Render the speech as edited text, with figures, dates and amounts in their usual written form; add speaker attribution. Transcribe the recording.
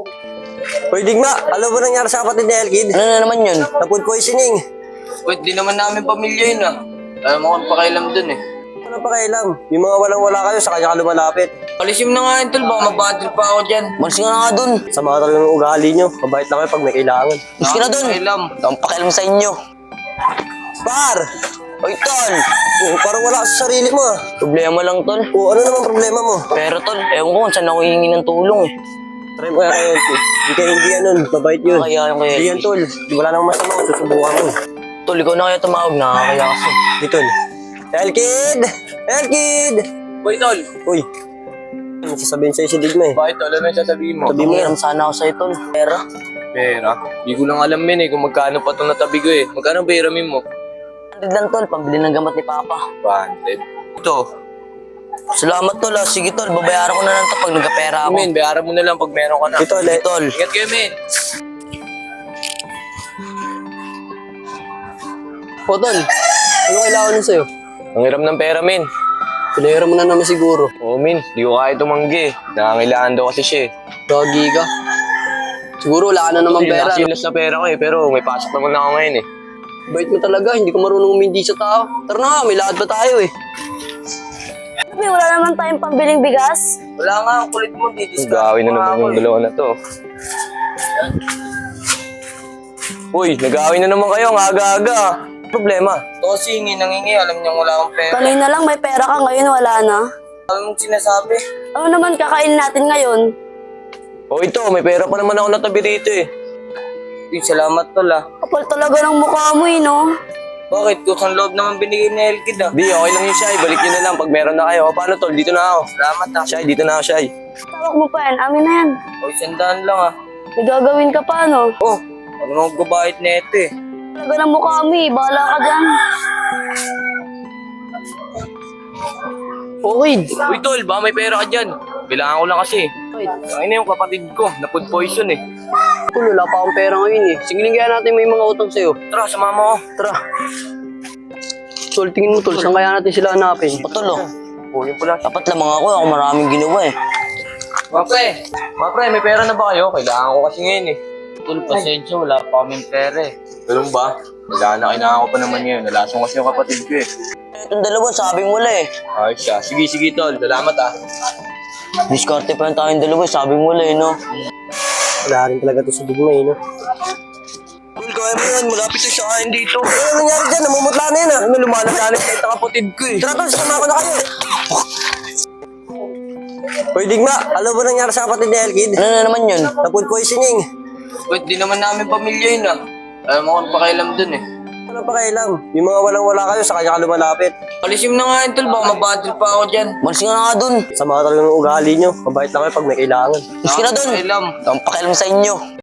Speaker 1: Hoy, Digma, alam mo nangyari sa kapatid ni Elkid?
Speaker 2: Ano na naman yun?
Speaker 1: Na food poisoning.
Speaker 3: Wait, di naman namin pamilya yun ah. Alam mo kung pakailam dun eh.
Speaker 1: Ano pa kailam? Yung mga walang-wala kayo, sa kanya ka lumalapit.
Speaker 3: Alisim na nga yun tol, baka mabatil pa ako dyan.
Speaker 2: Malis ka na nga dun.
Speaker 1: Sama talaga ng ugali nyo. Mabait lang kayo pag may kailangan.
Speaker 2: Malis ka na dun.
Speaker 3: Pakailam.
Speaker 2: Ang pakialam sa inyo.
Speaker 1: Par!
Speaker 2: Oy, tol.
Speaker 1: Oh, parang wala ka sa sarili mo ah.
Speaker 2: Problema lang, tol.
Speaker 1: Oh, ano naman problema mo?
Speaker 2: Pero, tol, ewan ko kung saan ako hihingi ng tulong eh.
Speaker 1: Try mo kaya kay Elkid. Hindi kayo hindi yan nun. Mabait yun.
Speaker 2: Kaya yung kay
Speaker 1: Hindi yan, tol. Wala namang masama. Susubukan mo.
Speaker 2: Tol, ikaw na kaya tumawag. Nakakaya kasi.
Speaker 1: Di, tol. Elkid! Elkid!
Speaker 3: Boy tol,
Speaker 1: Uy. Ano sasabihin sa'yo si Digma eh?
Speaker 3: bakit tol? Ano yung sasabihin mo?
Speaker 1: Sabi mo yan.
Speaker 2: Pakialam sana ako sa'yo, tol. Pera.
Speaker 3: Pera? Di ko lang alam yun eh kung magkano pa itong natabi ko eh. Magkano ba hiramin mo?
Speaker 2: 100 lang, tol. Pambili ng gamot ni Papa.
Speaker 3: 100. Ito.
Speaker 2: Salamat, tol. Sige, tol. Babayaran ko na lang to pag nagkapera ako.
Speaker 3: Men, bayaran mo na lang pag meron ka na.
Speaker 1: Ito,
Speaker 2: Sige, tol.
Speaker 3: Ingat kayo men.
Speaker 1: O, tol. Ano kailangan nun sa'yo?
Speaker 3: Ang hiram ng pera men.
Speaker 1: Pinahira mo na naman siguro.
Speaker 3: Oo men, di ko kaya tumanggi. Nangangailangan daw kasi siya eh.
Speaker 1: Gagi ka. Siguro wala ka na naman pera.
Speaker 3: Nakachilas na pera ko eh, pero may pasok naman ako ngayon eh.
Speaker 1: Bait mo talaga, hindi ka marunong umindi sa tao. Tara na nga, may lakad pa tayo eh.
Speaker 4: Sabi, wala naman tayong pambiling bigas.
Speaker 3: Wala nga, ang kulit mo, Gawin na naman yung dalawa na to. Uy, nag-awin na naman kayo, ang aga-aga. Problema. Ito kasi nangingi, alam niyang wala akong pera.
Speaker 4: Kanina lang may pera ka, ngayon wala na.
Speaker 3: Ano mong sinasabi?
Speaker 4: Ano naman kakain natin ngayon?
Speaker 3: O ito, may pera pa naman ako natabi dito eh. Uy, salamat tol ah.
Speaker 4: Kapal talaga ng mukha mo eh, no?
Speaker 3: Bakit? Kusang loob naman binigay ni Elkid ah. Di, okay lang yun, Shai. Balik nyo na lang pag meron na kayo. O paano tol? Dito na ako. Salamat ah. Shai, dito na ako, Shai.
Speaker 4: Tawag mo pa yan, amin na yan.
Speaker 3: O, sandaan lang ah.
Speaker 4: May gagawin ka pa, no?
Speaker 3: Oh, ano nang gabahit na ito eh.
Speaker 4: Talaga ng mukha mo eh, bahala ka dyan.
Speaker 1: Okay.
Speaker 3: Uy tol, baka may pera ka dyan. Kailangan ko lang kasi. Ay na yung kapatid ko, na food poison eh.
Speaker 1: Tol, wala pa akong pera ngayon eh. Singilin kaya natin may mga utang sa'yo.
Speaker 3: Tara, sumama ko.
Speaker 1: Tara. Tol, tingin mo tol, saan kaya natin sila hanapin?
Speaker 2: O, tol, oh.
Speaker 3: Oh, yun pala.
Speaker 2: Dapat lamang ako. Ako maraming ginawa eh.
Speaker 3: Mapre, may pera na ba kayo? Kailangan ko kasi ngayon eh. Tol, pasensya, wala pa kaming pera eh. Ganun ba? Kailangan ko pa naman ngayon. Nalasong kasi yung kapatid ko eh.
Speaker 2: Itong dalawa, sabing wala eh.
Speaker 3: Ayos siya. Sige tol, salamat ah.
Speaker 2: Diskarte pa lang tayong dalawa, sabing wala eh, no?
Speaker 1: Wala rin talaga to sa Digma eh, no?
Speaker 3: Tol, kaya mo yan. Malapit na siya kain dito.
Speaker 1: Ano nangyari dyan? Namumutla na yan ah.
Speaker 3: Ano, lumalagalit na yung kapatid ko eh.
Speaker 1: Tara tol, sama ko na kayo. Hoy, Digma, alam mo nangyari sa kapatid ni Elkid?
Speaker 2: Ano na naman yun?
Speaker 1: Na food poisoning.
Speaker 3: Wait, di naman namin pamilya yun ah. Alam mo kung pakailam dun eh.
Speaker 1: Ano pa kailam? Yung mga walang-wala kayo, sa kanya ka lumalapit.
Speaker 3: Alisim na nga yun tol, baka mabatil pa ako dyan.
Speaker 2: Malis ka na nga dun.
Speaker 1: Sama talaga ng ugali nyo. Mabait lang kayo pag may kailangan.
Speaker 2: Malis ka na dun.
Speaker 3: Pakailam.
Speaker 2: Ang pakialam sa inyo.